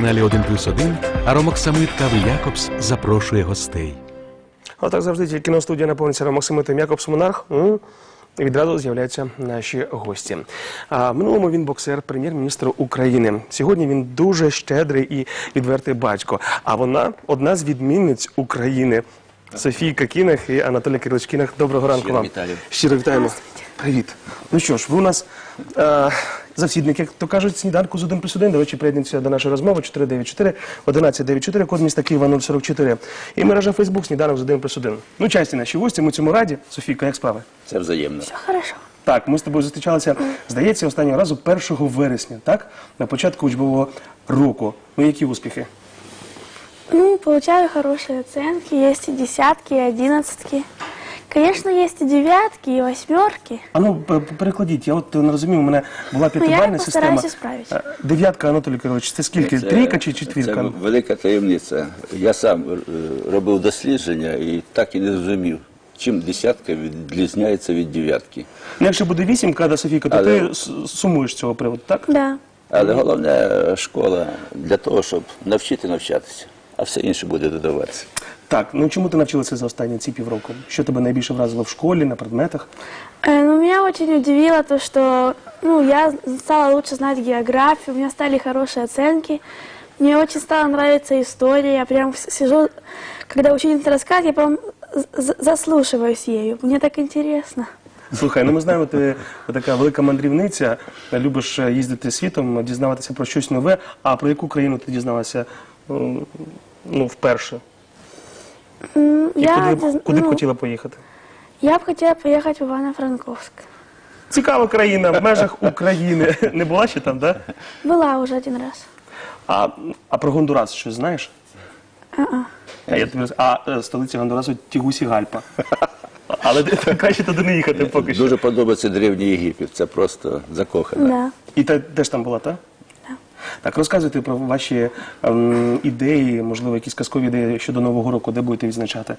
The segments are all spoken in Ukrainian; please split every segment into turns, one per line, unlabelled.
каналі 1+1 Аромоксамит Кави Якобс запрошує гостей.
Отак завжди тільки кіностудія наповниться Аромоксамитом Якобс Монарх. І відразу з'являються наші гості. В минулому він боксер, прем'єр-міністр України. Сьогодні він дуже щедрий і відвертий батько. А вона одна з відмінниць України. Софійка Кінах і Анатолій Кирилович Кінах. Доброго ранку вам. Щиро вітаємо. Привіт. Ну що ж, ви у нас завсідник, як то кажуть, сніданку з 1+1. До речі, приєднуйтеся до нашої розмови 494-1194, код міста Києва 044. І мережа Фейсбук «Сніданок з 1+1». Ну, часті наші гості, ми цьому раді. Софійка, як справи?
Це взаємно.
Все хорошо.
Так, ми з тобою зустрічалися, здається, останнього разу 1 вересня, так? На початку учбового року. Ну, які успіхи?
Ну, получаю хорошие оценки, есть и десятки, и одиннадцатки. Конечно, есть и девятки, и восьмерки.
А ну, перекладіть, я от не розумію, у мене була п'ятибальна система.
постараюся справити.
Дев'ятка, Анатолій Кирилович, це скільки? Трійка чи четвірка?
Це велика таємниця. Я сам робив дослідження і так і не зрозумів, чим десятка відрізняється від дев'ятки.
Ну, якщо буде вісімка, да, Софійка, то ти сумуєш з цього приводу, так?
Да.
Але головне школа для того, щоб навчити навчатися, а все інше буде додаватися.
Так, ну чому ти навчилася за останні ці півроку? Що тебе найбільше вразило в школі, на предметах?
Ну, меня очень удивило то, что я стала лучше знать географию, у меня стали хорошие оценки. Мне очень стала нравиться история. Я прям сижу, когда учительница рассказывает, я прям заслушиваюсь ею. Мне так интересно.
Слухай, ну ми знаємо, ти така велика мандрівниця, любиш їздити світом, дізнаватися про щось нове. А про яку країну ти дізналася вперше? І куди б хотіла поїхати?
Я б хотіла поїхати в Івано-Франковськ.
Цікава країна, в межах України. Не була ще там, так? Да?
Була вже один раз.
А про Гондурас щось знаєш? Столиця Гондурасу Тегусігальпа. Але краще туди не їхати поки що.
Дуже подобається Древній Єгипет, це просто закохано.
Да.
І ти теж там була, так?
Так.
Так, розказуйте про ваші ідеї, можливо, якісь казкові ідеї щодо Нового року, де будете відзначати?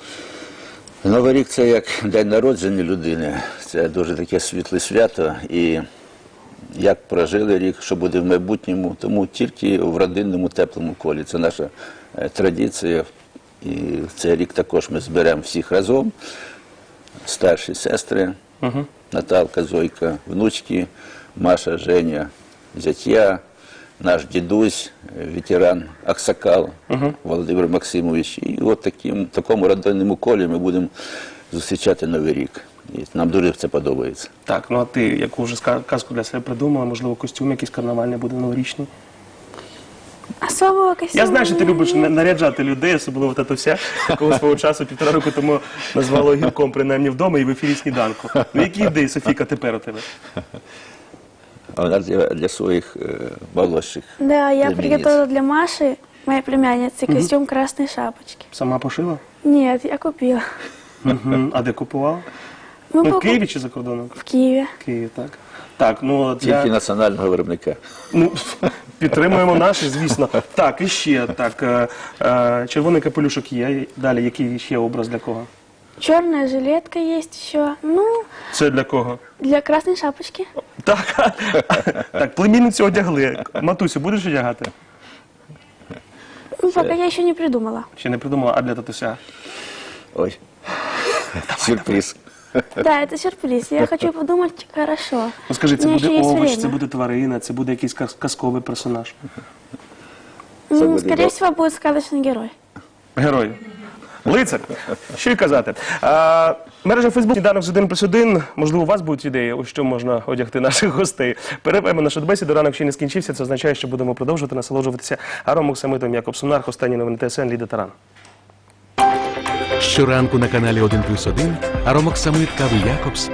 Новий рік – це як день народження людини, це дуже таке світле свято, і як прожили рік, що буде в майбутньому, тому тільки в родинному теплому колі. Це наша традиція, і в цей рік також ми зберемо всіх разом, старші сестри, Наталка, Зойка, внучки, Маша, Женя, зятя, наш дідусь, ветеран Аксакал Володимир Максимович. І от в такому родинному колі ми будемо зустрічати Новий рік. І нам дуже це подобається.
Так, ну а ти яку вже казку для себе придумала? Можливо, костюм якийсь карнавальний буде новорічний?
Особого костюму.
Я знаю, що ти любиш наряджати людей, особливо тата вся, якого свого часу 1,5 року тому назвало огірком, принаймні вдома і в ефірі сніданку. Ну які ідеї, Софійка, тепер у тебе?
А у нас для своїх молодших.
Да, я
племянниц.
приготовила для Маши, моей племянницы, костюм красной шапочки.
Сама пошила?
Нет, я купила.
А де купувала?
Мы
Ну, в
покуп-
Києві чи за кордоном?
В Киеве.
В Києві, так. Так, ну от
Тільки національного виробника.
Ну, підтримуємо наші, звісно. Так, і ще, так, червоний капелюшок є. Далі, який ще образ для кого?
Черная жилетка есть еще. Ну,
Це для кого?
для красной шапочки.
Так, так, племінницю одягли. Матусю, будеш одягати?
Ну, пока я еще не придумала.
Ще не придумала, а для татуся?
Ой, сюрприз.
Да, это сюрприз. Я хочу подумать хорошо.
Ну скажи, це
У меня
буде
еще есть
овоч,
время.
це буде тварина, це буде якийсь казковий персонаж?
буде
Скорее всего, будет сказочный герой.
Герой. Лицар. Що й казати. Мережа Фейсбук «Сніданок з 1+1». Можливо, у вас будуть ідеї, у що можна одягти наших гостей. Перервемо нашу бесіду. Ранок ще не скінчився. Це означає, що будемо продовжувати насолоджуватися Аромоксамитом Якобс Монарх. Останні новини ТСН, Ліда Таран.
Щоранку на каналі 1+1 Аромоксамит Кави Якобс